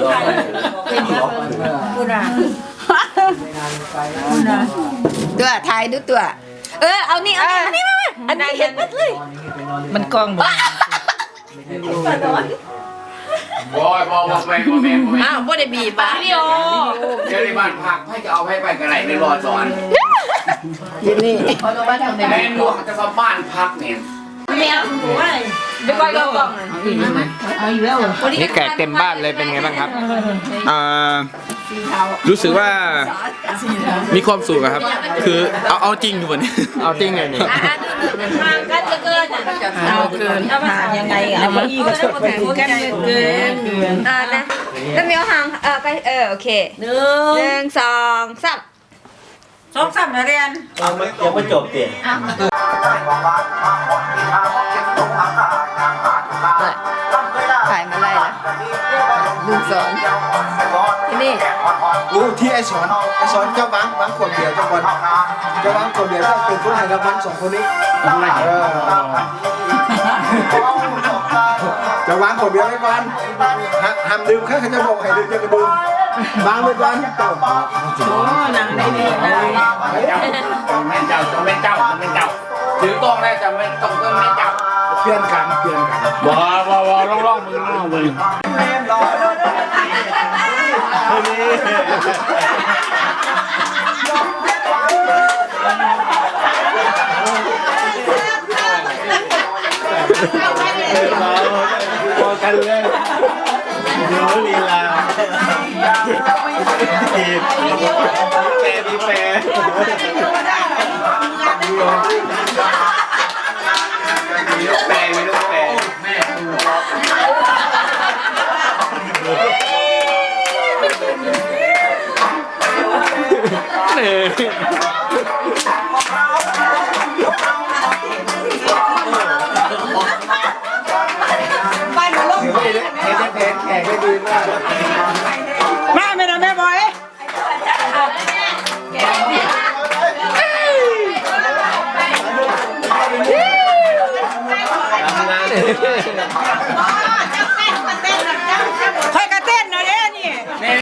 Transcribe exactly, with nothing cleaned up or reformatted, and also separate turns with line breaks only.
ตัวถ่ายดูตัวเออเอานี่เอานี่มาอันนี้เห็นมัดเลยมันกล้องบ่
บอยบอยบอยบอย
อ้าวบ่ได้บีบอ่ะพี่โอ
เดี๋ยวในบ้านพักให้จะเอาให้ไปกันไหนในรอสอน
อยู่นี่เขาต้องมาทำใน
แม่หลวงจะมาบ้านพักเนี่ย
แมวหัวเดี๋ยวก้อยก็กล้องเอาอีกแล้ว
นี่แขกเต็มบ้านเลยเป็นไงบ้างครับอ่ารู้สึกว่ามีความสุขครับคือเอาเอาจริงทุกคนเอาจริงไงนี่
ห่างกันจะเกินเอาเกินห่างยังไงอ่ะเอามาอีกก็ชดไปกันเกินอ่านะแล้วมีห่างเออไปเออโอเคหนึ่งหนึ่งสองสามสองสามเรียน
ยังไม่ยังไม่จบเตียน
ถ่ายมาไล่ละดูสอนที่นี่
อู้ที่ไอสอนไอสอนเจ้าบังบังขวดเดียวเจ้าบอลเจ้าบังขวดเดียวก็เป็นคนให้รางวัลสองคนนี้เออเจ้าบังขวดเดียวไม่ก่อนห้ามดื่มแค่เขาจะบอกให้ดื่มจะกระดื่มบังไปก่อนเจ้า
โอ้หนังได้ดีนะ
แม่เจ้าจะไม่เจ้าจะไม่เจ้าถือต้องได้จะไม่ต้องก็ไม่เจ้า
เปลี่ยนกันเปลี่ยนกัน
ว้าวว้าวล่องล่องมือล่องมือ
พอกันเลยดูลีลาทีมแปรมีแปรมีลูกแปรมีลูกแปรแม่
บ้านมันล่มเห็นเห็นเห็นแขกได้ดีมาก
แม่ไม่นะแม่บอย
ทำงาน